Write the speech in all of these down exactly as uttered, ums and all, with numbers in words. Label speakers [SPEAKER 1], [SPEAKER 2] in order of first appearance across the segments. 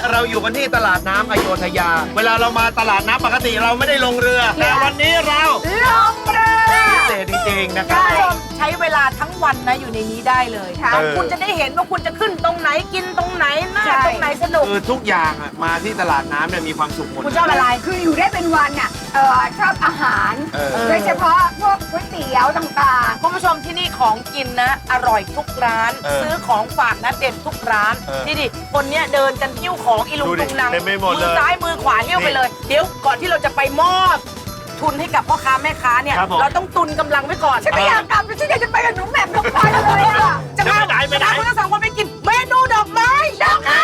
[SPEAKER 1] เราอยู่กันที่ตลาดน้ำอโยธยาเวลาเรามาตลาดน้ำปกติเราไม่ได้ลงเรือแต่วันนี้เรา
[SPEAKER 2] ลงเรือ
[SPEAKER 1] พิเศษจริงๆนะครับ
[SPEAKER 2] คุณผู้ชมใช้เวลาทั้งวันนะอยู่ในนี้ได้เลยค่ะคุณจะได้เห็นว่าคุณจะขึ้นตรงไหนกินตรงไหนหน้าตรงไหนสนุก
[SPEAKER 1] คือทุกอย่างอ่ะมาที่ตลาดน้ำเนี่ยมีความสุขหมด
[SPEAKER 2] คุณชอบอะไร
[SPEAKER 3] คืออยู่ได้เป็นวันอ่ะเออชอบอาหารโดยเฉพาะพวกก๋วยเตี๋ยวต่าง
[SPEAKER 2] ๆคุณผู้ชมที่นี่ของกินนะอร่อยทุกร้านซื้อของฝากนะเด็ดทุกร้านนี่ดิคนเนี้ยเดินกันหิ้วของอีลุงตุงนังมือซ้ายมือขวาหิ้วไปเลยเดี๋ยวก่อนที่เราจะไปมอบทุนให้กับพ่อค้าแม่ค้าเนี่ยเราต้องตุนกำลังไว้ก่อน
[SPEAKER 3] ฉันไม่อยากกลับฉันอยากจะไปกับหนูแหม่มน้องพลอยเลยอ่ะ
[SPEAKER 2] จะมาไหนไปไหนคุณทั้งสองคนไปกินเมนูดอกไม้ดอกไม้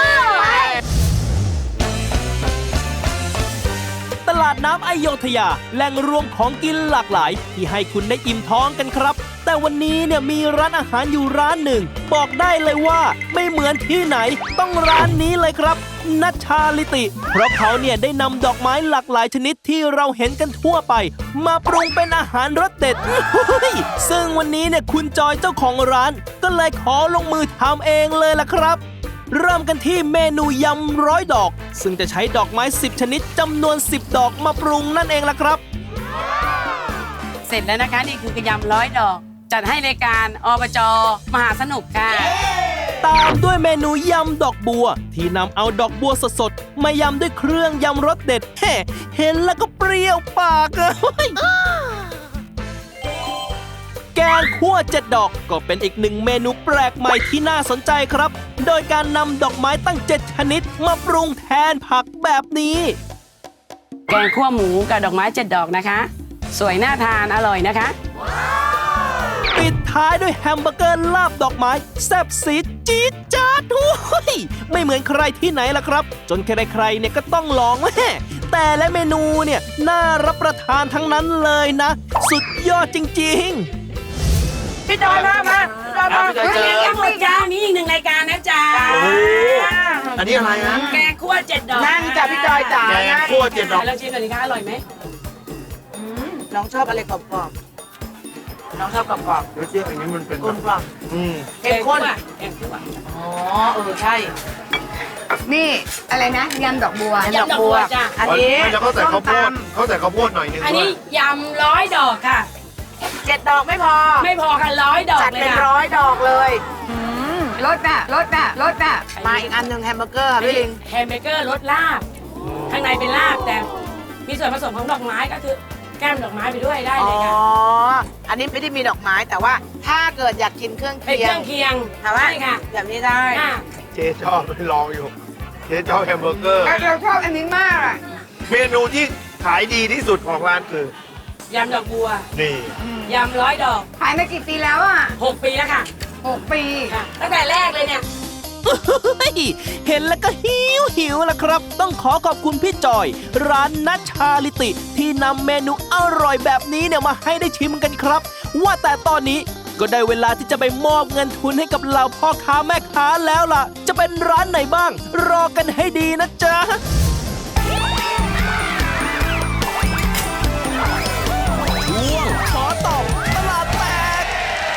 [SPEAKER 4] ตลาดน้ำอโยธยาแหล่งรวมของกินหลากหลายที่ให้คุณได้อิ่มท้องกันครับแต่วันนี้เนี่ยมีร้านอาหารอยู่ร้านหนึ่งบอกได้เลยว่าไม่เหมือนที่ไหนต้องร้านนี้เลยครับนัชชาลิติเพราะเขาเนี่ยได้นำดอกไม้หลากหลายชนิดที่เราเห็นกันทั่วไปมาปรุงเป็นอาหารรสเด็ดซึ่งวันนี้เนี่ยคุณจอยเจ้าของร้านก็เลยขอลงมือทำเองเลยล่ะครับเริ่มกันที่เมนูยำร้อยดอกซึ่งจะใช้ดอกไม้สิบชนิดจำนวนสิบดอกมาปรุงนั่นเองล่ะครับ
[SPEAKER 5] เสร็จแล้วนะคะนี่คือกระยำร้อยดอกจัดให้รายการอบจ.มหาสนุกค่ะ
[SPEAKER 4] ตามด้วยเมนูยำดอกบัวที่นำเอาดอกบัวสดๆมายำด้วยเครื่องยำรสเด็ดแฮ่เห็นแล้วก็เปรี้ยวปากเลยแกงคั่วเจ็ดดอกก็เป็นอีกหนึ่งเมนูแปลกใหม่ที่น่าสนใจครับโดยการนำดอกไม้ตั้งเจ็ดชนิดมาปรุงแทนผักแบบนี้
[SPEAKER 5] แกงคั่วหมูกับดอกไม้เจ็ดดอกนะคะสวยน่าทานอร่อยนะคะ
[SPEAKER 4] ปิดท้ายด้วยแฮมเบอร์เกอร์ลาบดอกไม้แซ่บซีดจี๊ดจ๊าดทุยไม่เหมือนใครที่ไหนล่ะครับจนใครๆเนี่ยก็ต้องลองแม่แต่และเมนูเนี่ยน่ารับประทานทั้งนั้นเลยนะสุดยอดจริงๆ
[SPEAKER 2] พี่จอยมามาพี่จอยมา
[SPEAKER 5] ยังหมดจ้ามีอีกหนึ่งรายการนะจ๊ะ
[SPEAKER 1] อันนี้อะไรนะ
[SPEAKER 5] แกงคั่วเจ็ดดอก
[SPEAKER 2] นั่งจ้ะพี่จอยจ๋า
[SPEAKER 1] แกงคั่วเจ็ดดอก
[SPEAKER 5] เราชิมกันดีคะอร่อยไหม
[SPEAKER 2] น้องชอบอะไรกรอบๆน้องชอบกรอบๆ
[SPEAKER 1] แล้วเชื่ออันนี้มันเป็น
[SPEAKER 2] กลมกล่อม
[SPEAKER 5] แกงข้นแกงคั่ว
[SPEAKER 2] อ๋อเออใช่
[SPEAKER 3] นี่อะไรนะยำดอกบัวย
[SPEAKER 5] ำดอกบัวจ้ะ
[SPEAKER 2] อันนี้
[SPEAKER 1] เขาใส่ข้าวโพดเขาใส่ข้าวโพดหน่อยนึง
[SPEAKER 5] อันนี้ยำร้อยดอกค่ะ
[SPEAKER 2] เจ็ดดอกไม่พอ
[SPEAKER 5] ไม่พอค่ะร้อยดอก
[SPEAKER 2] จัดเป็นร้อยดอกเลย
[SPEAKER 3] รสน่ะรสน่ะรสน่ะ
[SPEAKER 2] มาอีกอันหนึ่งแฮมเบอร์เกอร์ค่ะพี่ลิง
[SPEAKER 5] แฮมเบอร์เกอร์รสลาบข้างในเป็นลาบแต่มีส่วนผสมของดอกไม้ก็คือแก้มดอกไม้ไปด้วยได้เลยค่ะ
[SPEAKER 2] อ๋ออันนี้ไม่ได้มีดอกไม้แต่ว่าถ้าเกิดอยากกินเครื่องเคียง
[SPEAKER 5] เครื่องเคียง
[SPEAKER 2] ใช่ค่ะแบบนี้ได้
[SPEAKER 1] เจ๊ชอบไปลองอยู่เจ๊ชอบแฮมเบอร์เกอร์
[SPEAKER 3] เราชอบอันนี้มากอ่ะ
[SPEAKER 1] เมนูที่ขายดีที่สุดของร้านคื
[SPEAKER 5] อยำดอกบัว
[SPEAKER 1] นี่
[SPEAKER 5] ยำร้อยดอก
[SPEAKER 3] ขายมากี่ปีแล้วอ่ะ
[SPEAKER 5] หกปีแล้วค่ะ
[SPEAKER 3] หกปี
[SPEAKER 5] ค่ะตั้งแต่แรกเลยเนี่ย
[SPEAKER 4] เห็นแล้วก็หิวหิวละครับต้องขอขอบคุณพี่จอยร้านนัชชาลิติที่นำเมนูอร่อยแบบนี้เนี่ยมาให้ได้ชิมกันครับว่าแต่ตอนนี้ก็ได้เวลาที่จะไปมอบเงินทุนให้กับเหล่าพ่อค้าแม่ค้าแล้วล่ะจะเป็นร้านไหนบ้างรอกันให้ดีนะจ๊ะช่วงขอตอบตลาดแตก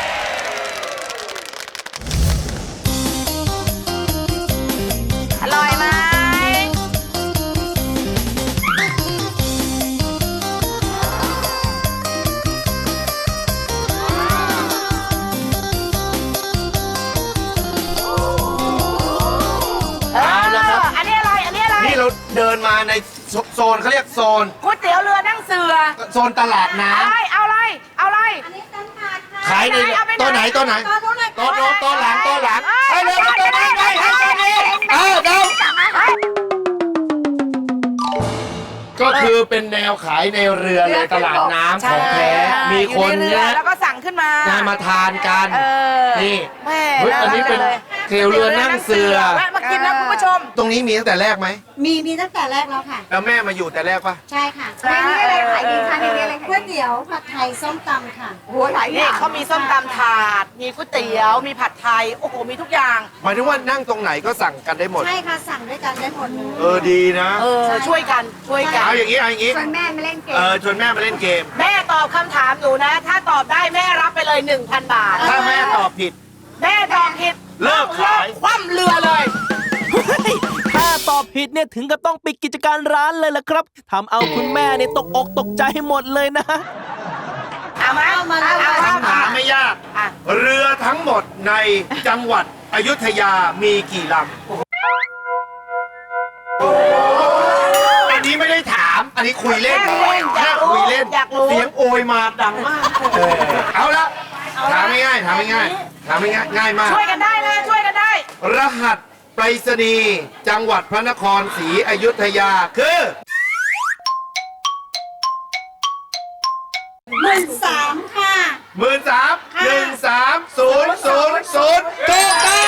[SPEAKER 2] อร่อยไหมอันนี้อะไรอันนี้อะไร
[SPEAKER 1] นี่เราเดินมาในโซนเขาเรียกโซน
[SPEAKER 2] ก๋วยเตี๋ยวเรือนั่งเสือ
[SPEAKER 1] โซนตลาดน้ำ
[SPEAKER 2] เอาอะไรเอาอะไร
[SPEAKER 1] ขายในตัวไหนตัวไหนตัวโน้ตตัวหลังตัวหลังให้เร็วตัวนี้ไปให้ตัวนี้เออเร็วก็คือเป็นแนวขายในเรือเลยตลาดน้ำของแท้มีคน
[SPEAKER 2] เนี่ยแล้วก็สั่งขึ้นมาง
[SPEAKER 1] านมาทานกันนี่
[SPEAKER 2] แม่
[SPEAKER 1] อันนี้เป็นเตี๋ยวเรือนั่งเสือ
[SPEAKER 2] แวะมากินนะคุณผู้ชม
[SPEAKER 1] ตรงนี้มีตั้งแต่แรกไหม
[SPEAKER 6] มีมีตั้งแต่แรกแล้วค่ะ
[SPEAKER 1] แล้วแม่มาอยู่แต่แรกปะ
[SPEAKER 6] ใช่ค่ะ
[SPEAKER 3] ในนี้อะไรขายดีคะในนี้อะไร
[SPEAKER 6] ก๋วยเตี๋ยวผัดไทยส้มตำค่ะ
[SPEAKER 3] โอ้หลายอ
[SPEAKER 2] ย่างเขามีส้มตำถาดมีก๋วยเตี๋ยวมีผัดไทยโอ้โหมีทุกอย่าง
[SPEAKER 1] หมายถึงว่านั่งตรงไหนก็สั่งกันได้หมด
[SPEAKER 6] ใช่ค่ะสั่งด้วยกันได้หมด
[SPEAKER 1] เออดีนะ
[SPEAKER 2] เออช่วยกันช่วยกัน
[SPEAKER 1] เอาอย่างนี้เอาอย่างนี้
[SPEAKER 3] ชวนแม่มาเล่นเกม
[SPEAKER 1] เออชวนแม่มาเล่นเกม
[SPEAKER 2] แม่ตอบคำถามหนูนะถ้าตอบได้แม่รับไปเลย หนึ่งพัน บาท
[SPEAKER 1] ถ้าแม่ตอบผิด
[SPEAKER 2] แม่ตอบผิด
[SPEAKER 1] เลิกขาย
[SPEAKER 2] คว่ำเรือเลย
[SPEAKER 4] ถ้าตอบผิดเนี่ยถึงกับต้องปิดกิจการร้านเลยล่ะครับทำเอาคุณแม่เนี่ยตกอกตกใจหมดเลยนะ
[SPEAKER 2] เอามาเอามาเอามา
[SPEAKER 1] คำถามไม่ยาก
[SPEAKER 2] อ่ะ
[SPEAKER 1] เรือทั้งหมดในจังหวัดอยุธยามีกี่ลำอันนี้ไม่ได้ถาม อันนี้คุยเล่นแค่คุยเล่น
[SPEAKER 2] อยากรู้
[SPEAKER 1] เสียงโอยมาดังมากเออเอาละถามง่ายๆถามง่ายๆถามง่ายๆง่ายมาก
[SPEAKER 2] ช่วยกันได้นะช่วยกันได้
[SPEAKER 1] รหัสไปรษณีย์จังหวัดพระนครศรีอยุธยาคือ
[SPEAKER 6] หมื่นสามค่ะ
[SPEAKER 1] หมื่นสามหนึ่งสามศูนย์ศูนย์ศูนย์ถูกต้อง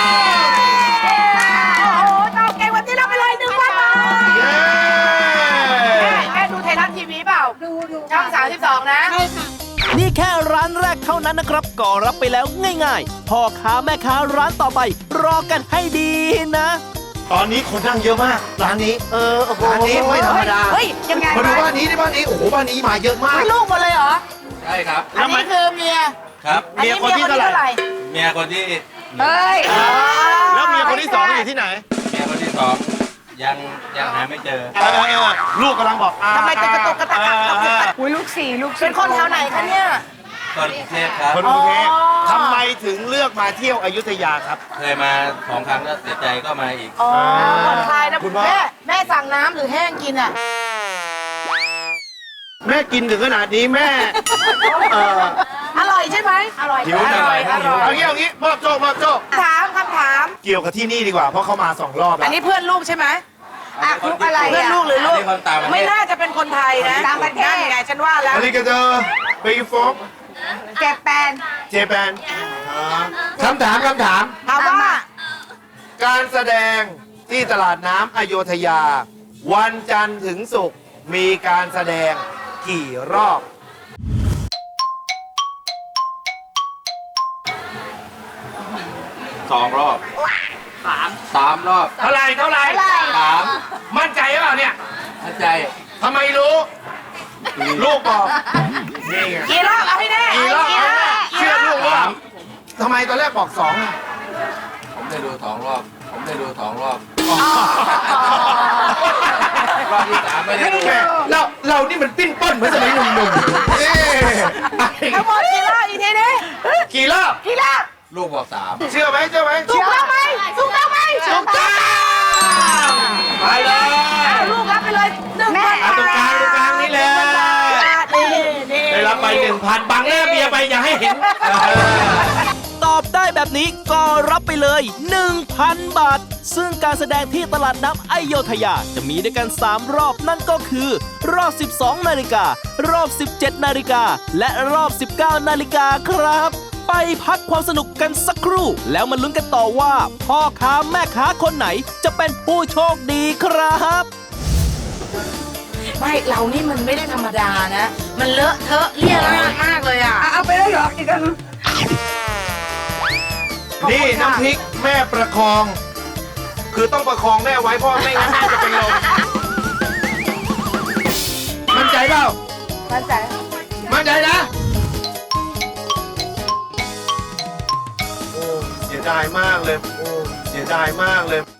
[SPEAKER 2] โอ้โหตอบเก่งวันนี้รับไปเลยหนึ่งพันบาท
[SPEAKER 1] เย้
[SPEAKER 2] แม่แม่ดูไทยรัฐทีวีเปล่า
[SPEAKER 6] ดูดู
[SPEAKER 2] ช่องสามสิบสองนะ
[SPEAKER 6] ใช่ค่ะ
[SPEAKER 4] นี่แค่ร้านแรกเท่านั้นนะครับก็รับไปแล้วง่ายๆพ่อค้าแม่ค้าร้านต่อไป รอกันให้ดีนะ
[SPEAKER 1] ตอนนี้คนนั่งเยอะมากร้านนี้
[SPEAKER 2] เออโอ้โห
[SPEAKER 1] ร้านนี้ไม่ธรรมดา
[SPEAKER 2] เฮ้ยยังไง
[SPEAKER 1] มาดู
[SPEAKER 2] วะ
[SPEAKER 1] บ้านนี้ดิบ้านนี้โอ้โหบ้านนี้มาเยอะมาก
[SPEAKER 2] ไม่ลูกหมดเลยเหรอ
[SPEAKER 7] ใช่ครับ
[SPEAKER 2] อันนี้คือเมีย
[SPEAKER 7] ครับ
[SPEAKER 2] อันนี้เมียคนที่เท่าไหร่
[SPEAKER 7] เมียคนที่
[SPEAKER 2] เฮ้ย
[SPEAKER 1] แล้วเมียคนที่สองอยู่ที่ไหน
[SPEAKER 7] เมียคนที่สองยังยังหาไม่เจอ
[SPEAKER 1] เออลูกกำลังบอกอ่า
[SPEAKER 2] ทำไมจะกระตุกกระตักกระตุกกระตัก
[SPEAKER 3] อุ้ยลูกสี่ลูกสี่
[SPEAKER 2] เป็นคนแถวไหนคะเนี่ย
[SPEAKER 7] คนกรุงเทพครับ
[SPEAKER 1] คนกรุงเทพ
[SPEAKER 2] อ๋อ
[SPEAKER 1] ทำไมถึงเลือกมาเที่ยวอยุธยาครับ
[SPEAKER 7] เคยมาสองครั้งแล้วเสียใจก็มาอีก
[SPEAKER 2] อ๋อผ่อนคลายนะ
[SPEAKER 1] คุณพ่อ
[SPEAKER 2] แม่แม่สั่งน้ำหรือแห้งกินอ่ะ
[SPEAKER 1] แม่กินถึงขนาดนี้แม่เออ
[SPEAKER 2] อร่อยใช่ไหมอร่อย
[SPEAKER 1] หิว
[SPEAKER 2] อ
[SPEAKER 1] จัง
[SPEAKER 2] ร่อยอร่
[SPEAKER 1] เอา
[SPEAKER 2] อย
[SPEAKER 1] งี้เอางี้มอบโจ๊กมอบโจ๊ก
[SPEAKER 2] ถามคำถาม
[SPEAKER 1] เกี่ยวกับที่นี่ดีกว่าเพราะเขามาสองรอบ
[SPEAKER 2] อั
[SPEAKER 1] แล้
[SPEAKER 2] น
[SPEAKER 1] ว
[SPEAKER 2] นี้เพื่อนลูกใช่ไหม
[SPEAKER 3] อ่ะลูกอะไร
[SPEAKER 2] เพื่อน
[SPEAKER 3] อ่ะ
[SPEAKER 2] ลูกหรือลูก
[SPEAKER 7] อันนี้คนต่างประเทศ
[SPEAKER 2] ไม่น่าจะเป็นคนไทยนะ
[SPEAKER 3] ต่างประเทศ
[SPEAKER 2] นั่นไงฉันว่าแล้ว
[SPEAKER 1] อันนี้ก็จะไปฟง
[SPEAKER 3] เจ็บแปน
[SPEAKER 1] เจแปนคำถามคำถาม
[SPEAKER 2] ถามว่า
[SPEAKER 1] การแสดงที่ตลาดน้ำอโยธยา วันจันทร์ถึงศุกร์มีการแสดงกี่รอบ
[SPEAKER 7] สองรอบสามสามรอบ
[SPEAKER 1] เท่าไหรเท่าไหร
[SPEAKER 7] สาม
[SPEAKER 1] มั่นใจหรือเปล่าเนี่ย
[SPEAKER 7] เข้าใจ
[SPEAKER 1] ทำไมรู้ ลูกบอกนี่ไง
[SPEAKER 2] กี่รอบเอาให้แน่
[SPEAKER 1] กี่รอบ
[SPEAKER 2] กี่รอบ
[SPEAKER 1] เชื่อลูกว่าทำไมตอนแรกบอกสองอะ
[SPEAKER 7] ผมได้ดูสองรอบ ผมได้ดูสองรอบ รอบที่สามไม่ได้ดู
[SPEAKER 1] แม่เราเรานี่มันปิ้นป้นเหมือนสมัยหนุ่มๆเอ๊ะ
[SPEAKER 2] ทั้งหมดกี่รอบอีกทีนี้
[SPEAKER 1] กี่รอบ
[SPEAKER 2] กี่รอบ
[SPEAKER 7] ลูกบอกสาม
[SPEAKER 1] เชื่อไหมเชื่อไหม
[SPEAKER 2] ถูกต้องไหมถูกต้องไหม
[SPEAKER 1] ถูกต้องไปเลย
[SPEAKER 2] เอาลูกรับไปเลยหนึ่งพัน
[SPEAKER 1] อ่ะตรงกลางตรงกลางนี่แหละ
[SPEAKER 2] นี่นี่
[SPEAKER 1] ได้รับไปหนึ่งพันบังหน้าเบียร์ไปอย่าให้เห็น
[SPEAKER 4] ตอบได้แบบนี้ก็รับไปเลย หนึ่งพัน บาท ซึ่งการแสดงที่ตลาดน้ำอโยธยาจะมีด้วยกัน สาม รอบนั่นก็คือ รอบ สิบสอง นาฬิกา รอบ สิบเจ็ด นาฬิกา และรอบ สิบเก้า นาฬิกาครับ ไปพักความสนุกกันสักครู่ แล้วมาลุ้นกันต่อว่า พ่อค้าแม่ค้าคนไหนจะเป็นผู้โชคดีครับ
[SPEAKER 2] ไม่เรานี่มันไม่ได้ธรรมดานะ มันเลอะเทอะเลี่ยราดมากเลยอ่ะ
[SPEAKER 3] อ่ะเอาไปแล้วเหรออีกอัน
[SPEAKER 1] นี่น้ำพริกแม่ประคอง คือต้องประคองแม่ไว้เพราะไม่งั้นแม่จะเป็นลมมั่นใจเปล่า
[SPEAKER 3] มั่นใจ
[SPEAKER 1] มั่นใจนะ โอ้เสียดายมากเลย โอ้เสียดายมากเลย